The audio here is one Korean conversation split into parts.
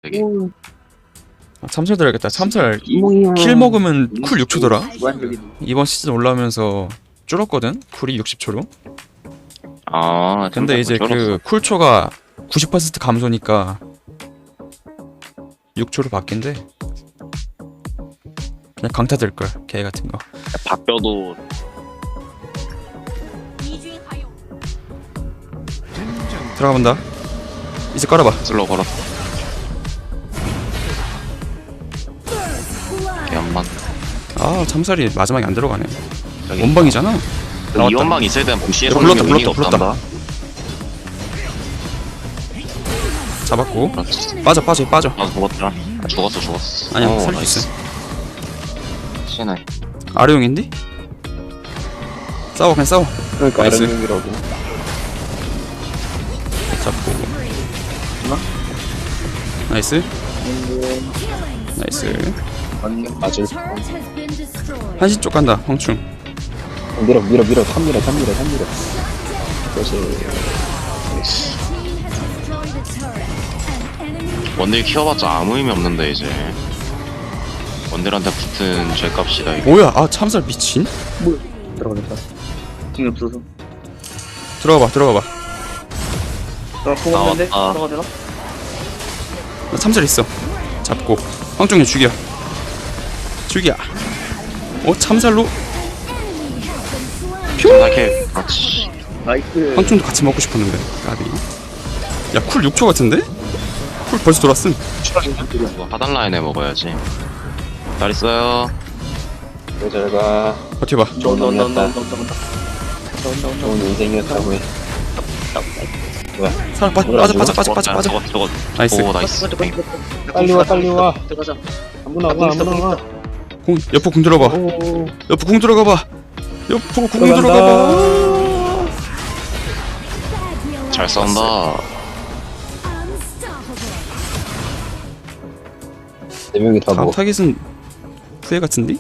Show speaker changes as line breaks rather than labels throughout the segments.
되게.
참설 들어야겠다. 참설
이몽이야.
킬 먹으면 쿨 6초더라.
무한적인.
이번 시즌 올라오면서 줄었거든. 쿨이 60초로.
아,
근데 이제
줄었어.
그 쿨초가 90% 감소니까 6초로 바뀐대. 그냥 강타 들걸. 개 같은 거.
바뀌어도
들어가 본다. 이제 깔아봐.
슬로우 걸었어. 개엄만.
아 참살이 마지막에 안 들어가네. 원방이잖아. 나왔다.
이원망 있어야 되는 동시에
야,
성능이
불렀다,
의미가
불렀다.
없단다.
잡았고.
그렇지.
빠져 빠져 빠져.
아 죽었다. 죽었어.
아니야
오,
살릴 수 있어.
신해.
아래용인데? 싸워 그냥 싸워.
그러니까
나이스.
아랫님이라고.
잡고. 나이스. 나이스.
맞을.
한시 쪽 간다. 황충.
밀어. 3밀어. 그것이.
원딜 키워봤자 아무 의미 없는데 이제. 원딜한테 붙은 죄값이다 이거.
뭐야? 아 참살 미친.
들어가겠다. 힘이 없어서.
들어가봐.
들어갔는데?
나왔다.
들어가 되나?
나 참살 있어. 잡고. 황충이 죽여. 참살로.
이렇게 그렇지.
나이스.
황충도 같이 먹고 싶었는데. 까비. 야 쿨 6초 같은데? 쿨 벌써 돌았음.
이거 하단 라인에 먹어야지. 잘 있어요.
잘가.
버텨봐.
좋은 인생이었다고 해.
사람 빠져.
저거.
나이스.
오 나이스.
빨리 와. 들어가자. 아무나 와.
옆으로 궁 들어봐.
오.
옆으로 궁 들어가봐.
잘 싸운다.
네 명이 다
다음
먹어.
타겟은 후회 같은데?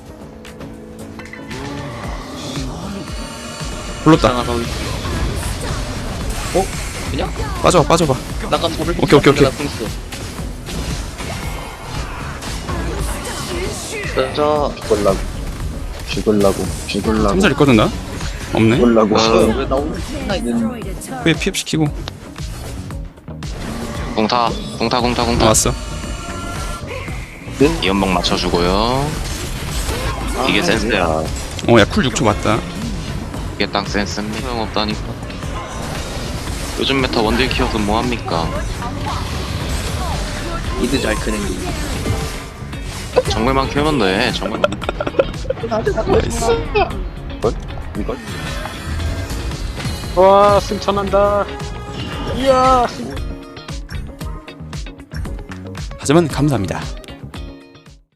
불렀다.
그냥?
빠져봐.
나간 잡을.
오케이.
자. 죽을라고.
참살 있거든 나? 없네.
죽을라고.
왜
후회 피업시키고.
공타.
나왔어.
이연막 맞춰주고요. 이게 센스야.
야 쿨 6초 맞다.
이게 딱 센스입니다. 소용없다니까. 요즘 메타 원딜 키워서 뭐합니까?
이드 잘 크는 게.
정글만 키우면 돼. 정글만.
이걸?
와 승천한다. 이야.
하지만 감사합니다.